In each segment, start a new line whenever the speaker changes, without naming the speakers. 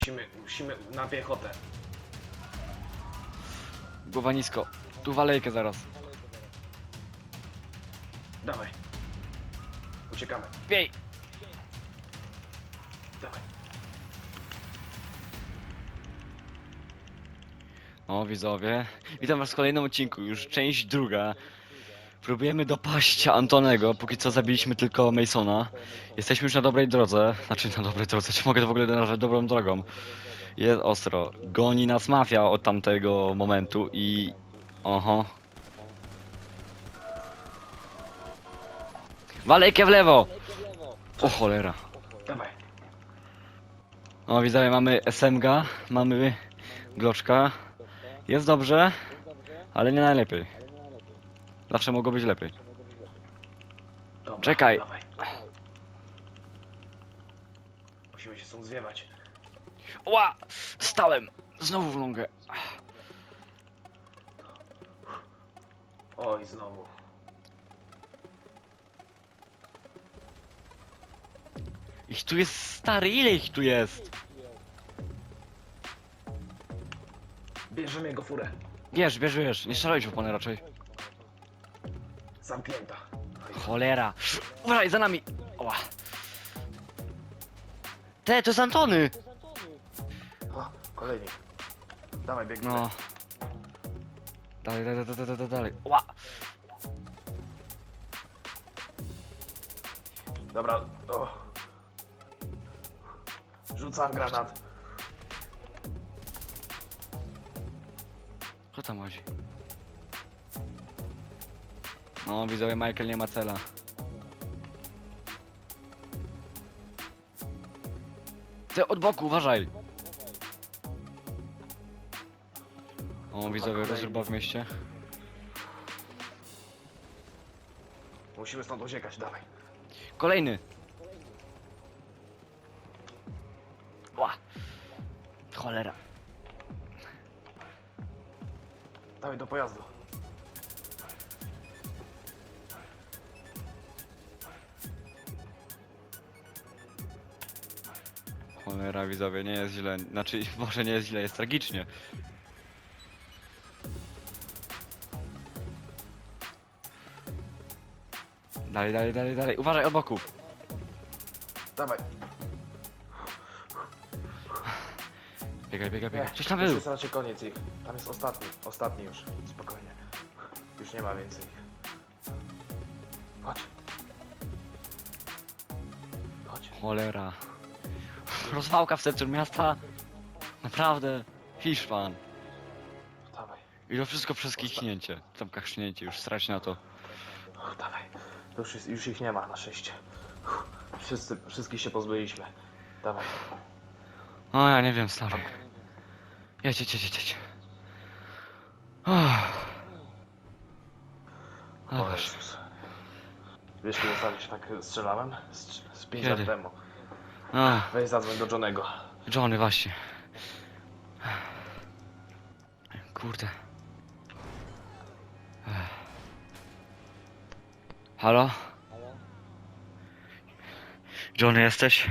Musimy na piechotę.
Głowa nisko. Tu walejkę zaraz.
Dawaj. Uciekamy.
Biej!
Dawaj.
O widzowie, witam was w kolejnym odcinku, już część druga. Próbujemy dopaść Antonego, póki co zabiliśmy tylko Masona. Jesteśmy już na dobrej drodze, znaczy na dobrej drodze, czy mogę to w ogóle nazwać dobrą drogą? Jest ostro, goni nas mafia od tamtego momentu i... Oho. Walejkę w lewo! O cholera.
Dawaj.
O widzowie, mamy SMG, mamy Gloczka. Jest dobrze, ale nie najlepiej. Zawsze mogło być lepiej.
Dobra,
Czekaj.
Dawaj. Musimy się stąd zwiewać.
Ła! Stałem! Znowu w nogę.
Oj, znowu.
Ich tu jest stary, ile ich tu jest?
Bierzemy jego furę.
Wiesz, nie strzelajcie w opony raczej.
Zamknięta.
Cholera. Uważaj, za nami! Ła. To jest Antony!
O, kolejni. Dawaj, biegniemy.
No. Dalej. Ła!
Dobra. O. Rzucam granat.
Co tam chodzi? No, widzowie, Michael nie ma cela. Ty od boku, uważaj! O, widzowie, rozruba w mieście.
Musimy stąd uciekać, dawaj.
Kolejny! Ła! Cholera.
Dawaj do pojazdu.
Cholera, widzowie, nie jest źle. Znaczy, może nie jest źle, jest tragicznie. Dalej. Uważaj, od boku.
Dawaj.
Biegaj. Gdzieś tam
Już
był.
jest raczej koniec ich. Tam jest ostatni. Ostatni już. Spokojnie. Już nie ma więcej. Chodź. Chodź.
Cholera. Rozwałka w centrum miasta. Naprawdę. Hiszpan.
Dawaj.
I to wszystko przez kichnięcie. Tam kachnięcie, już strać na to.
Dawaj. To już ich nie ma na szczęście. Wszystkich się pozbyliśmy. Dawaj.
O, ja nie wiem, stary. Jedź.
O Jezus. Wiesz kiedy ostatnio się tak strzelałem? Z 5 lat
Kiedy?
temu.
A,
Weź zadzwoń do Johnego.
Johnny, właśnie. Kurde. Halo? Johnny, jesteś?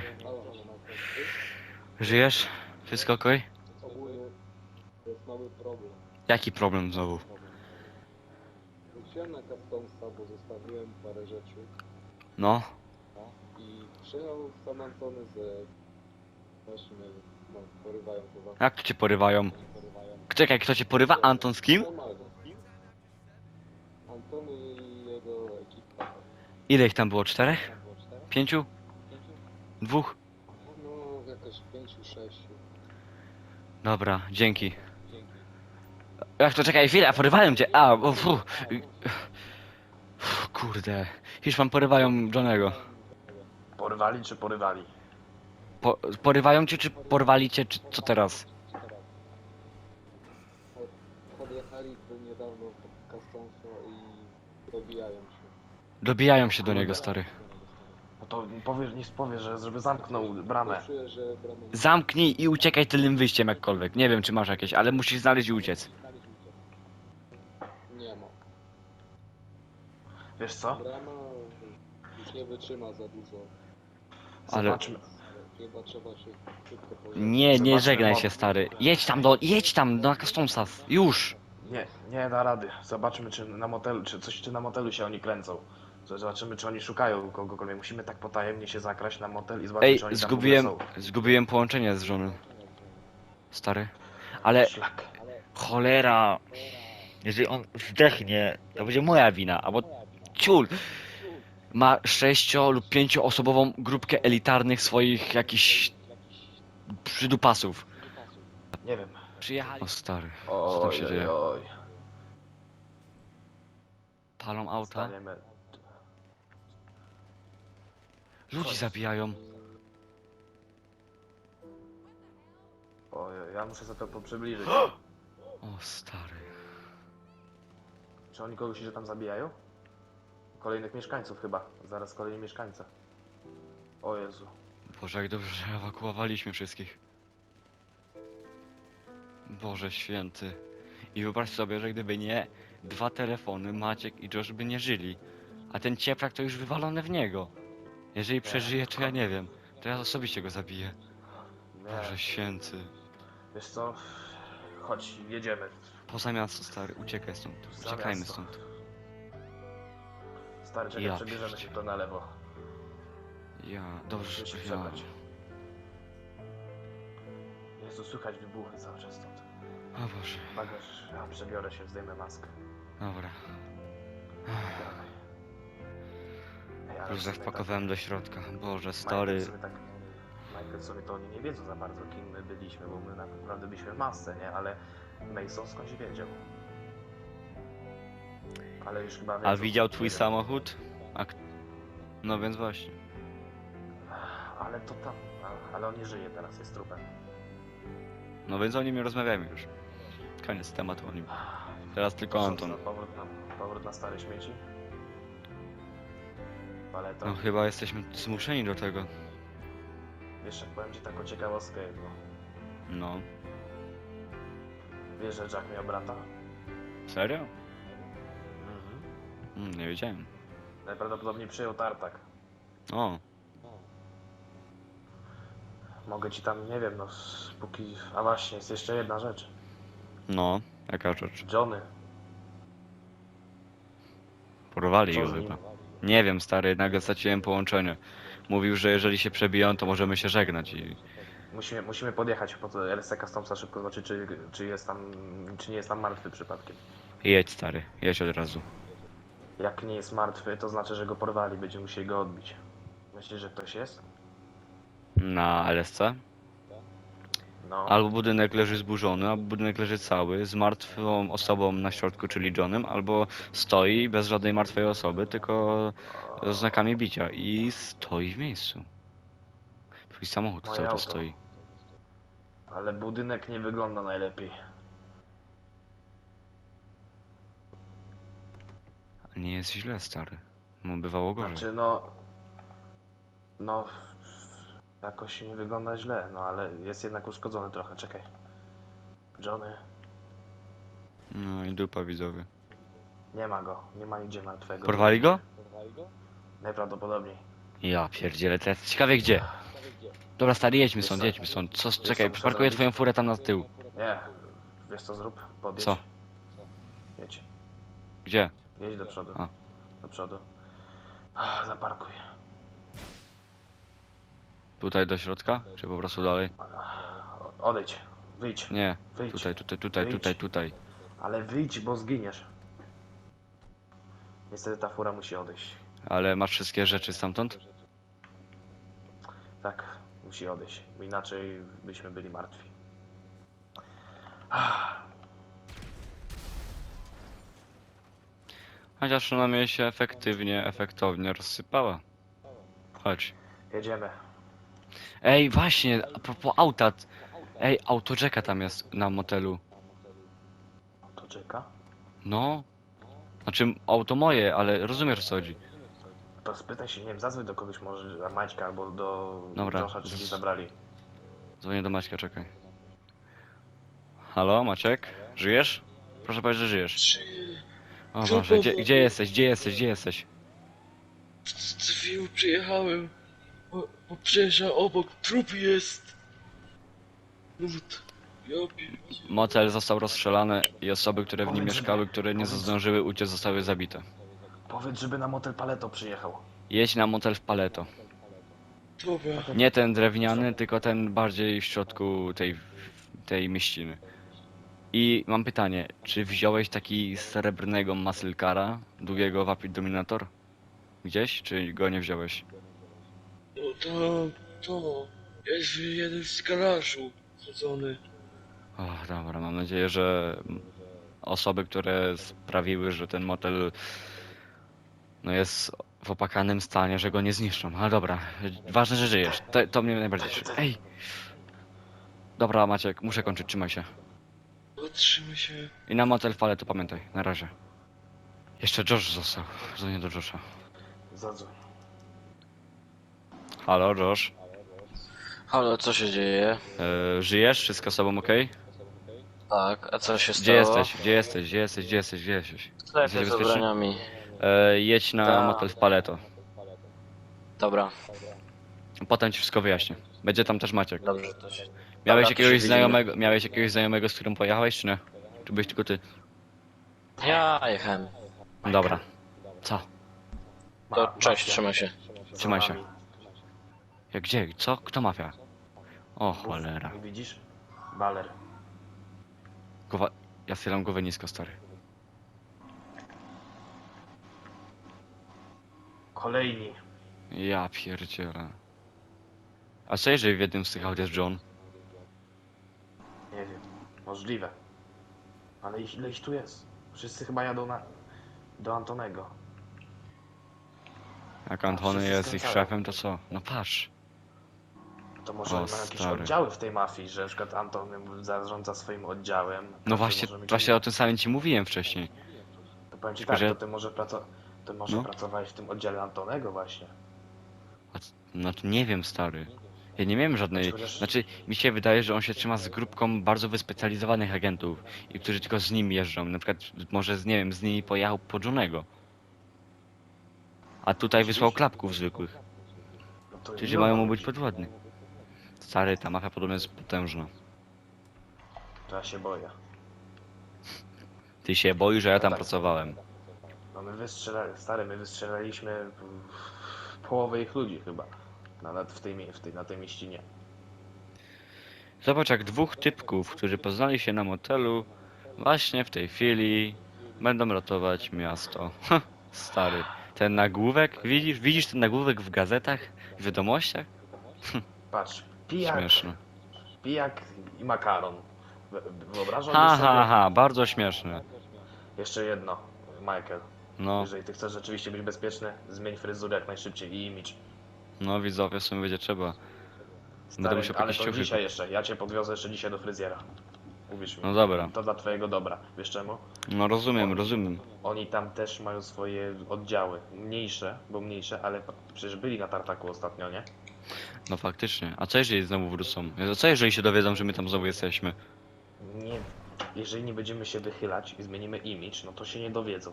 Żyjesz? Wszystko okej?
Ogólnie to jest mały problem.
Jaki problem znowu?
Wróciłem na Customsa, bo zostawiłem parę rzeczy
No?
i przyjechał sam Antony ze... Właśnie, no, porywają chyba.
Jak to cię porywają?
Porywają.
Czekaj, kto cię porywa? Anton z kim?
Normalnie. Antony i jego ekipa.
Ile ich tam było? 4?
Tam było 4?
5? 2?
No, jakoś 5-6.
Dobra, dzięki.
Dzięki.
Jak to czekaj chwilę, porywają cię! A, o, fu. Kurde. Hiszpan porywają Johnego.
Porywali czy porywali?
Porywają cię, czy porwali cię, czy co teraz?
Podjechali tu niedawno pod Customsa i dobijają się.
Dobijają się do niego, stary.
No to powie, że żeby zamknął bramę.
Czuję, że bramę...
Zamknij i uciekaj tylnym wyjściem jakkolwiek. Nie wiem, czy masz jakieś, ale musisz znaleźć i uciec.
Nie ma.
Wiesz co?
Brama już nie wytrzyma za dużo.
Ale-
Zobaczmy.
Chyba trzeba się szybko pożegnać.
Nie
Zobaczmy,
żegnaj
mo-
się, stary. Jedź tam do Customsów. Już.
Nie da rady. Zobaczmy, czy na motelu, czy na motelu się oni kręcą. Zobaczymy, czy oni szukają kogokolwiek. Musimy tak potajemnie się zakraść na motel i zobaczyć,
Ej,
czy oni tam w ogóle
zgubiłem połączenie z żoną. Stary.
są.
Ale
Szlak.
cholera. Jeżeli on zdechnie, to będzie moja wina, albo ciul. Ma 6 lub 5-osobową grupkę elitarnych swoich jakichś przydupasów.
Nie wiem.
Przyjechali. O stary, co tam się dzieje?
Oj.
Palą auta,
Staniemy.
ludzi zabijają.
Oj, ja muszę sobie to przybliżyć.
O stary.
Czy oni kogoś się tam zabijają? Kolejnych mieszkańców chyba. Zaraz kolejni mieszkańcy. O Jezu.
Boże, jak dobrze, że ewakuowaliśmy wszystkich. Boże święty. I wyobraź sobie, że gdyby nie 2 telefony, Maciek i Josh by nie żyli. A ten cieprak to już wywalony w niego. Jeżeli przeżyje, to ja nie wiem. To ja osobiście go zabiję. Boże
Nie.
święty.
Wiesz co? Chodź, jedziemy.
Poza miasto, stary, uciekaj stąd.
Za
Uciekajmy
miasto.
stąd.
Stary, czekaj,
Ja
przebierzemy się
pierdzie-
to na lewo.
Ja, dobrze,
Musimy się
ja.
przebrać. Jezu, słychać wybuchy cały czas stąd.
O Boże,
Bagaż, ja przebiorę się, zdejmę maskę.
dobra.
Dawaj. Ej, ale
Już
w sumie
zapakowałem do środka. Boże,
tak,
stary.
Michael sobie to oni nie wiedzą za bardzo, kim my byliśmy, bo my naprawdę byliśmy w masce, nie? Ale Mason skądś wiedział. Ale już chyba
A
wiedzą,
widział
nie
twój
wiem.
samochód? No więc właśnie.
Ale to tam, ale on nie żyje teraz, jest trupem.
No więc o nim nie rozmawiamy już. Koniec tematu o nim. Teraz tylko
Co,
Anton.
powrót na stare śmieci? Paleto.
No chyba jesteśmy zmuszeni do tego.
Wiesz, jak powiem ci taką ciekawostkę jedną.
No.
Wiesz, że Jack miał brata?
Serio?
Mhm.
Nie wiedziałem.
Najprawdopodobniej przyjął tartak.
O,
Mogę ci tam, nie wiem, no póki... A właśnie, jest jeszcze jedna rzecz.
no. Jaka rzecz?
Johnny.
Porwali
Co
go
z nim?
chyba. Nie wiem, stary, nagle straciłem połączenie. Mówił, że jeżeli się przebiją, to możemy się żegnać i...
Musimy podjechać po to LSC Customsa szybko zobaczyć, czy jest tam, czy nie jest tam martwy przypadkiem.
Jedź, stary, jedź od razu.
Jak nie jest martwy, to znaczy, że go porwali, będziemy musieli go odbić. Myślisz, że ktoś jest?
Na LSC?
No.
Albo budynek leży zburzony, albo budynek leży cały, z martwą osobą na środku, czyli Johnem, albo stoi bez żadnej martwej osoby, tylko z znakami bicia i stoi w miejscu. Twój samochód
Moje
cały czas
auto.
stoi.
Ale budynek nie wygląda najlepiej.
Nie jest źle, stary. No, bywało gorzej.
Znaczy, no... No... Jakoś nie wygląda źle, no ale jest jednak uszkodzony trochę, czekaj. Johnny,
No i dupa, widzowie.
nie ma go, nie ma nigdzie martwego.
Porwali go?
Najprawdopodobniej.
Ja pierdzielę, teraz ciekawie gdzie. Dobra, stary, jedźmy
Wiesz
stąd,
co?
jedźmy stąd. Co,
co
czekaj,
muszę
przyparkuję
zrobić?
twoją furę tam na tył.
Nie, wiesz co zrób? Podjedź.
Co?
Jedź.
Gdzie?
Jedź do przodu.
A.
Do przodu. Zaparkuj.
Tutaj do środka? Czy po prostu dalej?
Odejdź. Wyjdź.
Nie,
Wyjdź.
tutaj.
Ale wyjdź, bo zginiesz. Niestety ta fura musi odejść.
Ale masz wszystkie rzeczy stamtąd?
Tak, musi odejść. Bo inaczej byśmy byli martwi.
Chociaż przynajmniej się efektownie rozsypała. Chodź.
Jedziemy.
Ej, właśnie, a propos auta. Ej, auto Jacka tam jest na motelu.
To czeka.
No. Znaczy, auto moje, ale rozumiesz o co chodzi.
To spytaj się, nie wiem, zadzwoń do kogoś może, do Maćka albo do
Dobra.
Josha, czy mi zabrali.
Dzwonię do Maćka, czekaj. Halo, Maciek? Żyjesz? Proszę powiedzieć, że żyjesz. O Boże, gdzie jesteś?
Z Wiu przyjechałem. Bo przejeżdża obok, trup jest. No ja pierdzie.
Motel został rozstrzelany i osoby, które w nim
Powiedz, żeby-
mieszkały, które nie
powiedz-
zdążyły uciec, zostały zabite.
Powiedz, żeby na motel Paleto przyjechał.
Jedź na motel w Paleto.
Dobra.
Nie ten drewniany, tylko ten bardziej w środku tej mieściny. I mam pytanie, czy wziąłeś taki srebrnego muscle cara, długiego Vapid Dominator? Gdzieś, czy go nie wziąłeś?
No to jest jeden z garażu chodzony.
O, dobra, mam nadzieję, że osoby, które sprawiły, że ten motel no jest w opakanym stanie, że go nie zniszczą. Ale dobra, ważne, że żyjesz. To mnie najbardziej cieszy. Ej! Dobra, Maciek, muszę kończyć, trzymaj się.
Zatrzymaj się.
I na motel w Paleto pamiętaj, na razie. Jeszcze Josh został, dzwonię do Josha.
Zadzwoń.
Halo, Josh.
Halo, co się dzieje?
Żyjesz? Wszystko z tobą okej?
Tak, a co się
Gdzie
stało?
jesteś? Gdzie jesteś? Gdzie jesteś? Gdzie jesteś? Gdzie jesteś?
W sklepie
Jesteś
z
bezpieczny?
ubraniami.
Jedź na
Tak.
motel w Paleto.
Dobra,
Potem ci wszystko wyjaśnię. Będzie tam też Maciek.
dobrze to się...
Miałeś
to się
jakiegoś
widzimy.
znajomego, z którym pojechałeś, czy nie? Czy byłeś tylko ty?
Ja jechałem.
Dobra. Co?
To cześć,
Mafia.
trzymaj się.
Za
Trzymaj się.
nami.
Jak gdzie? Co? Kto mafia? O cholera.
Nie widzisz? Baler.
Głowa... Ja schylam głowę nisko, stary.
Kolejni.
Ja pierdzielę. A co jeżeli w jednym z tych aut jest John?
Nie wiem. Możliwe. Ale ile ich tu jest? Wszyscy chyba jadą do Antonego.
Jak Antony
wszyscy
jest ich
skręcają.
szefem, to co? No patrz.
To może
O,
mają jakieś
stary.
oddziały w tej mafii, że na przykład Anton zarządza swoim oddziałem.
No
Każdy
właśnie,
może mieć
właśnie o tym samym ci mówiłem wcześniej.
To powiem ci
Tylko,
tak,
że-
to ty może
No.
pracowałeś w tym oddziale Antonego właśnie.
Znaczy nie wiem, stary. Ja nie miałem żadnej...
Chociaż-
Znaczy, mi się wydaje, że on się trzyma z grupką bardzo wyspecjalizowanych agentów i którzy tylko z nim jeżdżą. Na przykład może nie wiem, z nimi pojechał po Johnego. A tutaj wysłał
Oczywiście.
klapków zwykłych,
No to
którzy
miliona
mają mu być
ludzi.
podwładni. Stary, ta mafia podobno jest potężna.
To ja się boję.
Ty się boisz, że ja tam
tak.
pracowałem.
No my wystrzelaliśmy połowę ich ludzi chyba. Na tej mieścinie.
Zobacz, jak dwóch typków, którzy poznali się na motelu, właśnie w tej chwili będą ratować miasto. Ha, stary. Ten nagłówek, widzisz ten nagłówek w gazetach, w wiadomościach?
Patrz,
Śmieszne.
pijak i makaron. Wyobrażam
Ha,
sobie
ha, ha, bardzo śmieszne.
jeszcze jedno, Michael.
No,
Jeżeli ty chcesz rzeczywiście być bezpieczny, zmień fryzurę jak najszybciej i imidż.
no widzowie, w sumie będzie trzeba.
Stary,
musiał
ale
jakieś
to
ciuchy
dzisiaj jeszcze, ja cię podwiozę jeszcze dzisiaj do fryzjera. Uwierz mi.
No dobra.
To dla twojego dobra. Wiesz czemu?
No rozumiem.
Oni tam też mają swoje oddziały. Mniejsze, ale przecież byli na tartaku ostatnio, nie?
No faktycznie. A co jeżeli znowu wrócą? Co jeżeli się dowiedzą, że my tam znowu jesteśmy?
Nie. Jeżeli nie będziemy się wychylać i zmienimy imidż, no to się nie dowiedzą.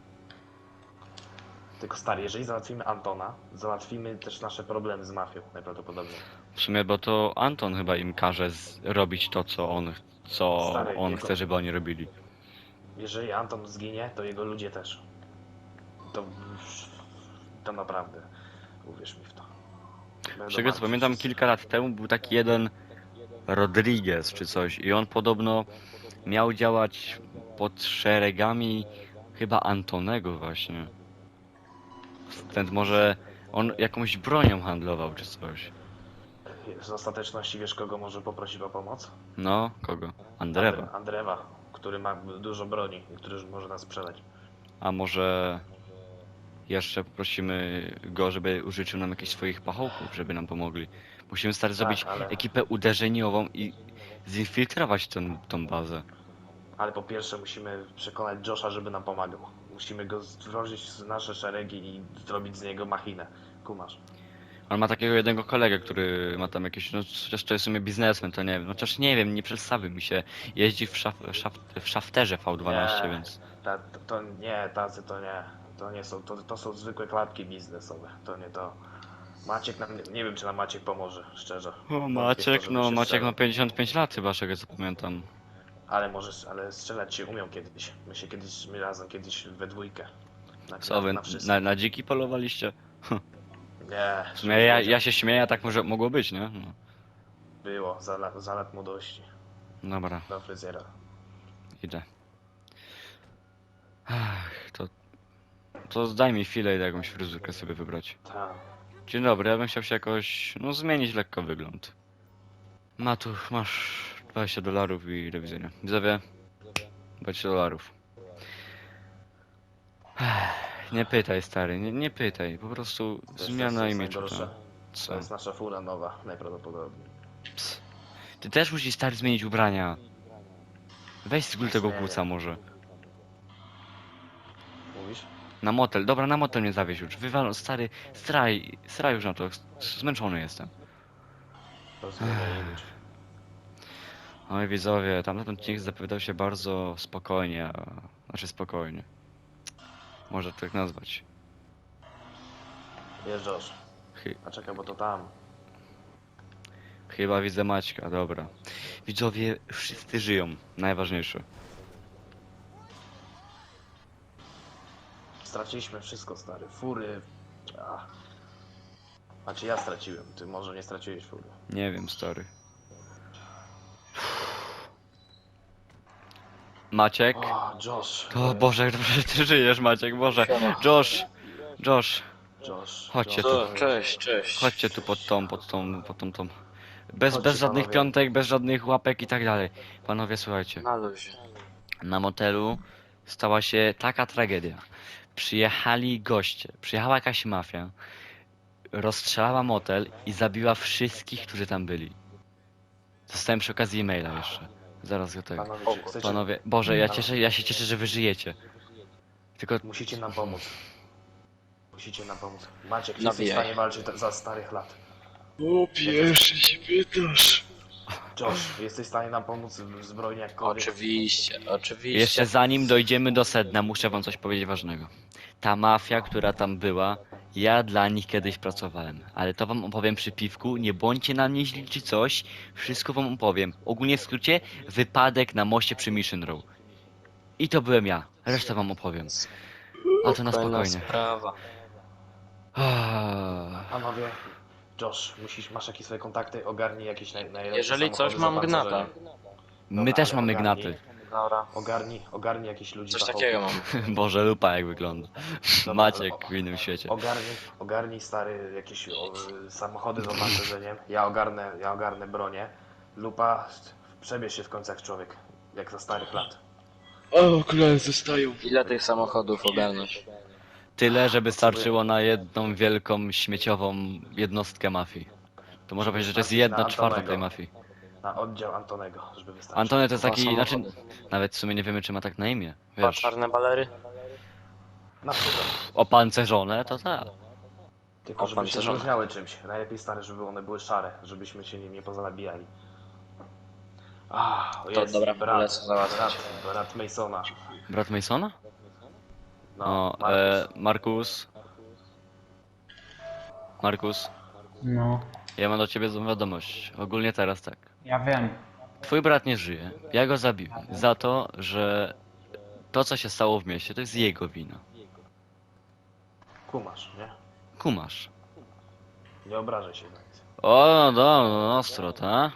Tylko stary, jeżeli załatwimy Antona, załatwimy też nasze problemy z mafią najprawdopodobniej.
W sumie, bo to Anton chyba im każe robić to, co
Stary,
on
jego-
chce, żeby oni robili.
Jeżeli Anton zginie, to jego ludzie też. To naprawdę. Uwierz mi w to. Będą
Z tego co
martwi
pamiętam,
wszyscy.
kilka lat temu był taki jeden Rodriguez czy coś i on podobno miał działać pod szeregami chyba Antonego właśnie. Stąd może on jakąś bronią handlował czy coś.
Z ostateczności wiesz, kogo może poprosić o pomoc?
No, kogo? Andrewa.
Andrewa, który ma dużo broni i który może nas sprzedać.
A może jeszcze poprosimy go, żeby użyczył nam jakichś swoich pachołków, żeby nam pomogli. Musimy stary zrobić
ale-
ekipę uderzeniową i zinfiltrować tą bazę.
Ale po pierwsze musimy przekonać Josha, żeby nam pomagał. Musimy go wdrożyć w nasze szeregi i zrobić z niego machinę. Kumasz.
On ma takiego jednego kolegę, który ma tam jakieś, no chociaż to jest w sumie biznesmen, to nie wiem, no chociaż nie wiem, nie przedstawił mi się. Jeździ w szafterze V12,
Nie.
więc...
Tacy to nie. To nie są, to są zwykłe klatki biznesowe. To nie to. Maciek nam, nie wiem czy nam Maciek pomoże, szczerze.
O,
Wątpię w to,
Maciek,
żeby
no
się
Maciek ma
strzelał.
55 lat chyba, z czego co pamiętam.
Ale może, ale strzelać się umią kiedyś. My razem kiedyś we dwójkę.
Co wy,
wszystko.
na dziki polowaliście?
Nie,
W sumie ja się śmieję, a tak może mogło być, nie? No.
Było, za lat młodości.
Dobra,
Do fryzjera.
idę. Ach, to daj mi chwilę, idę jakąś fryzurkę sobie wybrać.
Tak.
Dzień dobry, ja bym chciał się jakoś, no zmienić lekko wygląd. Masz $20 i do widzenia. Widzowie, $20. Nie pytaj, stary, nie pytaj, po prostu
Wiesz, co
zmiana
jest
imidżu.
najgorsze?
To.
To
Co?
jest nasza fura nowa, najprawdopodobniej.
Ps. Ty też musisz, stary, zmienić ubrania. Weź z góry tego
Zmienię.
kłuca może.
Mówisz?
Na motel, dobra, na motel mnie zawieź już. Wywal, stary, straj już na to, zmęczony jestem.
To zmienia imidż.
Oj widzowie, tamten odcinek zapowiadał się bardzo spokojnie, znaczy spokojnie. Można to tak nazwać.
Jeżdżasz.
Chy-
A czekaj, bo to tam.
Chyba widzę Maćka, dobra. Widzowie, wszyscy żyją, najważniejsze.
Straciliśmy wszystko, stary. Fury. Ach. Znaczy ja straciłem, ty może nie straciłeś fury.
Nie wiem, stary. Maciek?
O, Josh.
To Boże, dobrze, że ty żyjesz, Maciek, Boże. Josh,
Josh.
Chodźcie
Josh.
tu.
Cześć.
chodźcie tu pod tą. Bez
Chodźcie,
żadnych
panowie.
piątek, bez żadnych łapek i tak dalej. Panowie, słuchajcie.
Na luzie.
Na motelu stała się taka tragedia. Przyjechali goście, przyjechała jakaś mafia, rozstrzelała motel i zabiła wszystkich, którzy tam byli. Dostałem przy okazji e-maila jeszcze. Zaraz go tego.
Panowie, czy chcecie...
Panowie, Boże, ja się cieszę, że wy żyjecie. Tylko
Musicie nam pomóc. Musicie nam pomóc. Maciek, jesteś w
Nawijaj.
stanie walczyć za starych lat.
O, pierwszy się pytasz.
Josh, jesteś w stanie nam pomóc w zbrojni jakkolwiek?
Oczywiście.
jeszcze zanim dojdziemy do sedna, muszę wam coś powiedzieć ważnego. Ta mafia, która tam była, ja dla nich kiedyś pracowałem, ale to wam opowiem przy piwku, nie bądźcie na mnie źli czy coś, wszystko wam opowiem. Ogólnie w skrócie, wypadek na moście przy Mission Row. I to byłem ja, resztę wam opowiem. A to na spokojnie.
Sprawa.
Panowie, Josh, masz jakieś swoje kontakty, ogarnij jakieś najlepsze
Jeżeli coś,
samochody
mam
zapancerzone.
gnata.
My
Dobra,
też
ale
mamy
ogarnij.
gnaty.
Dobra.
Ogarnij jakichś ludzi
Coś
fachowych.
takiego mam.
Boże, lupa jak wygląda.
Dobra,
Maciek
ale
w innym świecie.
Ogarnij stary jakieś samochody z opancerzeniem. Ja ogarnę bronię. Lupa, przebierz się w końcu jak człowiek. Jak za starych lat.
O, okulary zostają.
Ile tych samochodów ogarnąć?
Tyle, żeby starczyło na jedną wielką śmieciową jednostkę mafii. To można powiedzieć, że to jest
Starczyć na
1/4 tej
Antonego.
mafii.
Na oddział Antonego, żeby wystarczyć.
Antony to jest
Dwa
taki, znaczy,
samochody.
nawet w sumie nie wiemy czy ma tak na imię.
Dwa
Wiesz,
czarne balery?
Na przykład.
opancerzone to tak.
Tylko żeby się
Opancerzone.
różniały czymś. Najlepiej stare, żeby one były szare, żebyśmy się nie pozabijali.
To dobra, lecę załatwiać.
brat Masona.
Brat Masona?
No,
No, Markus,
No,
ja mam do ciebie złą wiadomość. Ogólnie teraz tak.
ja wiem.
Twój brat nie żyje. Ja go zabiłem. Za to, że to co się stało w mieście, to jest jego wina.
Kumasz, nie?
Kumasz.
Nie obrażaj się na nic.
O, no, ostro, ta?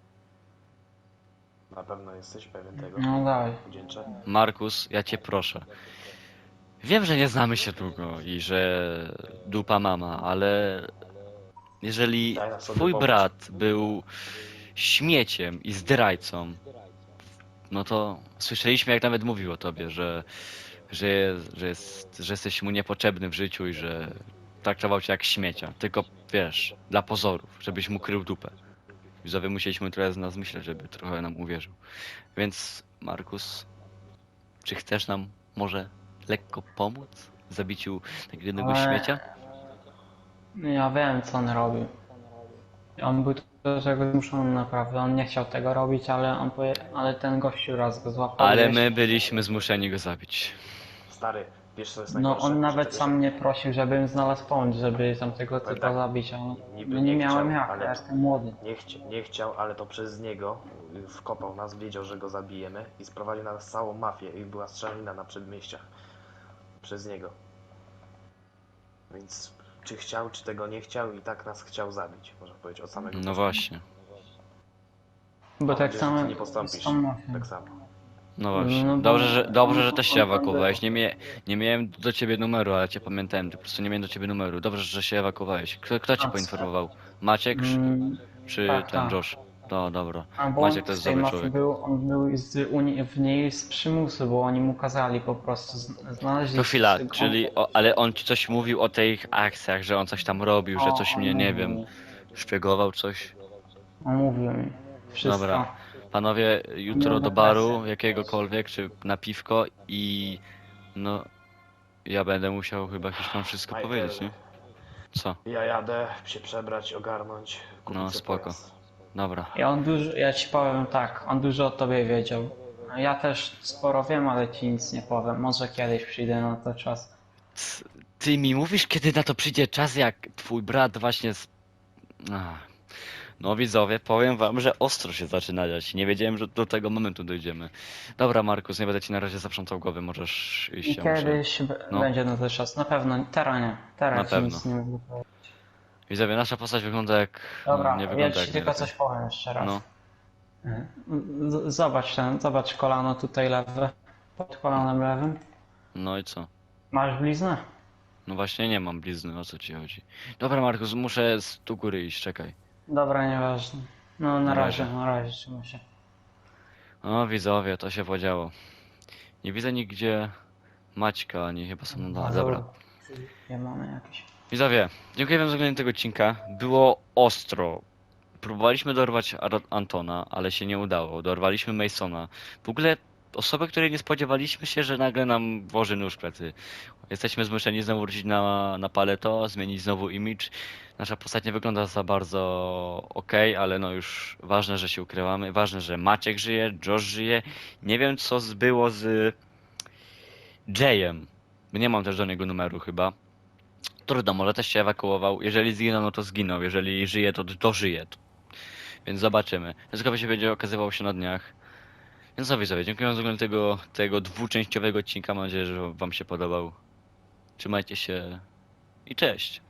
Na pewno jesteś pewien tego.
No daj.
Wdzięczę.
Markus, ja cię proszę. Wiem, że nie znamy się długo i że dupa mama, ale jeżeli
Daj nam sobie
twój
pomóc.
brat był śmieciem i zdrajcą, no to słyszeliśmy, jak nawet mówił o tobie, że jesteś mu niepotrzebny w życiu i że traktował cię jak śmiecia. Tylko wiesz, dla pozorów, żebyś mu krył dupę. Widzowie musieliśmy trochę z nas myśleć, żeby trochę nam uwierzył. Więc Markus, czy chcesz nam może lekko pomóc w zabiciu takiego jednego
Ale-
śmiecia?
No ja wiem co on robił. On był do tego zmuszony naprawdę. On nie chciał tego robić, ale ten gościu raz go złapał.
Ale
gdzieś.
my byliśmy zmuszeni go zabić.
Stary, Wiesz co jest
No
najgorsze?
on
Że
nawet
czegoś
sam mnie prosił, żebym znalazł pomysł, żeby tamtego
Ale
typa
tak,
zabić, ale
niby
no nie
nie
miałem
chciał,
jak,
ale-
ja jestem młody.
nie chciał, ale to przez niego wkopał nas, wiedział, że go zabijemy i sprowadził na nas całą mafię i była strzelanina na przedmieściach. Przez niego. Więc czy chciał, czy tego nie chciał i tak nas chciał zabić, można powiedzieć, od samego
No
początku.
właśnie,
Bo
Mam
tak
nadzieję, że ty
samo
nie postąpisz
z tą mafią.
tak samo.
no właśnie.
No bo
Dobrze, że też się
on
ewakuowałeś. Nie miałem do ciebie numeru, ale cię pamiętałem. Po prostu nie miałem do ciebie numeru. Dobrze, że się ewakuowałeś. Kto cię
A,
poinformował? Maciek
Mm,
czy
tak,
ten
tak.
Josh? No dobra.
A bo
Maciek
on
to jest
z tej
dobry
mafii
człowiek.
był, on był w niej z przymusu, bo oni mu kazali po prostu, znaleźli...
To chwila,
on-
czyli, ale on ci coś mówił o tych akcjach, że on coś tam robił, że coś
on
mnie, nie
mówił
wiem,
mi,
szpiegował coś.
On mówił mi wszystko.
Dobra. Panowie, jutro do baru jakiegokolwiek, czy na piwko i no, ja będę musiał chyba jakiś wam wszystko
Michael,
powiedzieć, nie? Co?
Ja jadę się przebrać, ogarnąć, kupić
No,
sobie
spoko.
pojazd.
Dobra.
I on dużo, ja ci powiem tak, on dużo o tobie wiedział. Ja też sporo wiem, ale ci nic nie powiem. Może kiedyś przyjdę na to czas.
Ty mi mówisz, kiedy na to przyjdzie czas, jak twój brat właśnie z... Ach. No widzowie, powiem wam, że ostro się zaczyna dziać. Nie wiedziałem, że do tego momentu dojdziemy. Dobra, Markus, nie będę ci na razie zaprzątał głowy, możesz iść,
I
ja muszę...
kiedyś
No.
będzie na to czas. Na pewno, teraz nie.
Na
Teraz ci
pewno.
nic nie mogę powiedzieć.
Widzowie, nasza postać wygląda jak...
Dobra,
no, nie
ja
wygląda
ci
jak
tylko
najlepiej.
coś powiem jeszcze raz.
No,
Zobacz kolano tutaj lewe. Pod kolanem lewym.
no i co?
Masz bliznę?
No właśnie nie mam blizny, o co ci chodzi? Dobra, Markus, muszę z tu góry iść, czekaj.
Dobra, nieważne. No
Na razie.
na razie trzymaj się.
O, widzowie, to się podziało. Nie widzę nigdzie Maćka, ani chyba są na dole. Dobra.
Nie mamy jakieś.
Widzowie, dziękuję wam za oglądanie tego odcinka. Było ostro. Próbowaliśmy dorwać Antona, ale się nie udało. Dorwaliśmy Masona. W ogóle osobę, której nie spodziewaliśmy się, że nagle nam włoży nóż w plecy. Jesteśmy zmuszeni znowu wrócić na paleto, zmienić znowu image. Nasza postać nie wygląda za bardzo okej, ale no już ważne, że się ukrywamy. Ważne, że Maciek żyje, Josh żyje. Nie wiem, co było z Jayem. Nie mam też do niego numeru chyba. Trudno, może też się ewakuował. Jeżeli zginął, no to zginął. Jeżeli żyje, to dożyje. Więc zobaczymy. Wszystko się będzie okazywało się na dniach. Więc co widzowie, dziękuję za oglądanie tego dwuczęściowego odcinka. Mam nadzieję, że wam się podobał. Trzymajcie się i cześć.